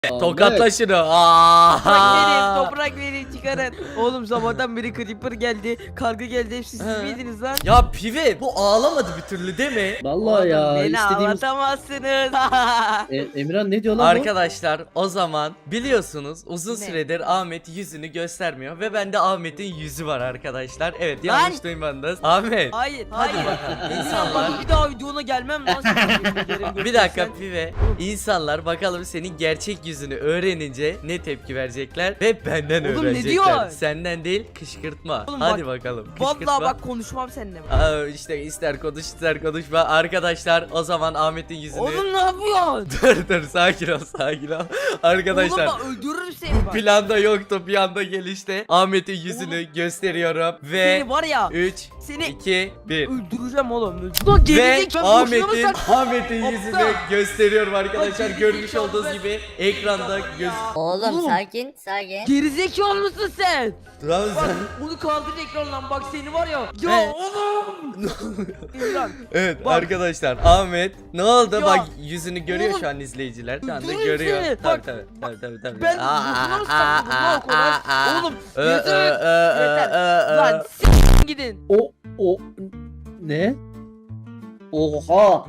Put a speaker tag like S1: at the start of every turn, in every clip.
S1: Tokatla şunu.
S2: Toprak verin çıkarın. Oğlum sabahtan beri creeper geldi. Karga geldi. Hepsi siz miydiniz lan?
S1: Ya pive bu ağlamadı bir türlü değil mi?
S3: Vallahi
S2: Oğlum,
S3: ya
S2: beni
S3: istediğimiz
S2: ağlatamazsınız.
S3: Emirhan ne diyor lan bu?
S1: Arkadaşlar o zaman biliyorsunuz uzun
S2: Ne?
S1: süredir Ahmet yüzünü göstermiyor ve bende Ahmet'in yüzü var arkadaşlar. Evet
S2: Lan!
S1: yanlış duymadınız. Ahmet.
S2: Hayır,
S1: Hadi
S2: hayır.
S1: bakalım.
S2: İnsanlar
S1: İnsanlar.
S2: bir daha videona gelmem lan.
S1: Bir dakika pive. İnsanlar bakalım senin gerçek yüzünü öğrenince ne tepki verecekler ve benden
S2: Oğlum, ne
S1: öğrenecekler.
S2: diyor?
S1: Senden değil kışkırtma.
S2: Oğlum
S1: Hadi
S2: bak,
S1: bakalım. Kışkırtma.
S2: Vallahi bak konuşmam seninle.
S1: İşte ister konuş ister konuşma. Arkadaşlar o zaman Ahmet'in yüzünü
S2: Oğlum ne yapıyorsun?
S1: dur sakin ol sakin ol. Arkadaşlar
S2: Oğlum bak öldürürüm seni bak.
S1: planda yoktu bir anda gelişti. Ahmet'in yüzünü gösteriyorum ve
S2: Seni var ya.
S1: 3
S2: Seni
S1: 2 1
S2: öldüreceğim oğlum. Lan
S1: ve
S2: gerizekalı boşuna mı sen?
S1: Ahmet'in yüzünü gösteriyorum arkadaşlar.
S2: Bak,
S1: Görmüş
S2: gerizekalı
S1: olduğunuz
S2: ben-
S1: gibi ekranda göz.
S4: Oğlum
S2: Oğlum.
S4: sakin sakin.
S2: Gerizekalı mısın sen?
S1: Lan
S2: Bak
S1: sen.
S2: bunu kaldır ekrandan bak seni var ya.
S1: He.
S2: Ya oğlum. İmran.
S1: Evet
S2: Bak.
S1: arkadaşlar Ahmet ne oldu
S2: Ya.
S1: bak yüzünü görüyor
S2: Oğlum.
S1: şu an izleyiciler şu anda
S2: Öldürürüm
S1: görüyor.
S2: seni.
S1: Tabii
S2: Bak.
S1: tabii.
S2: Ben buna mı sakladım lan o kadar? Oğlum yeter. Yeter. Lan gidin.
S3: O ne? Oha.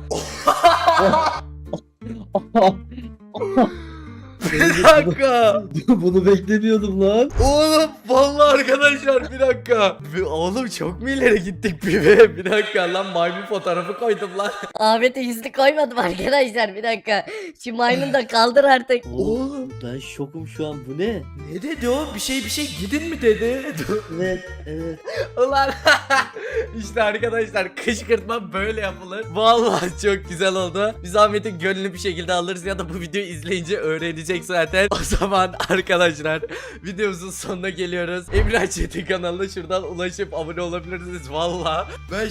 S1: Bir dakika.
S3: Bunu beklemiyordum lan.
S1: Oğlum vallahi arkadaşlar bir dakika. Oğlum çok mu ileri gittik bir dakika lan maymun fotoğrafı koydum lan.
S4: Ahmet'e yüzünü koymadım arkadaşlar bir dakika. Şu maymunu da kaldır artık.
S3: Oğlum ben şokum şu an, bu ne?
S1: Ne dedi o? Bir şey gidin mi dedi?
S3: Evet evet.
S1: Ulan işte arkadaşlar kışkırtma böyle yapılır. Vallahi çok güzel oldu. Biz Ahmet'in gönlünü bir şekilde alırız ya da bu videoyu izleyince öğrenecek zaten. O zaman arkadaşlar videomuzun sonuna geliyoruz. Emrah Çetin kanalına şuradan ulaşıp abone olabilirsiniz. Vallahi ben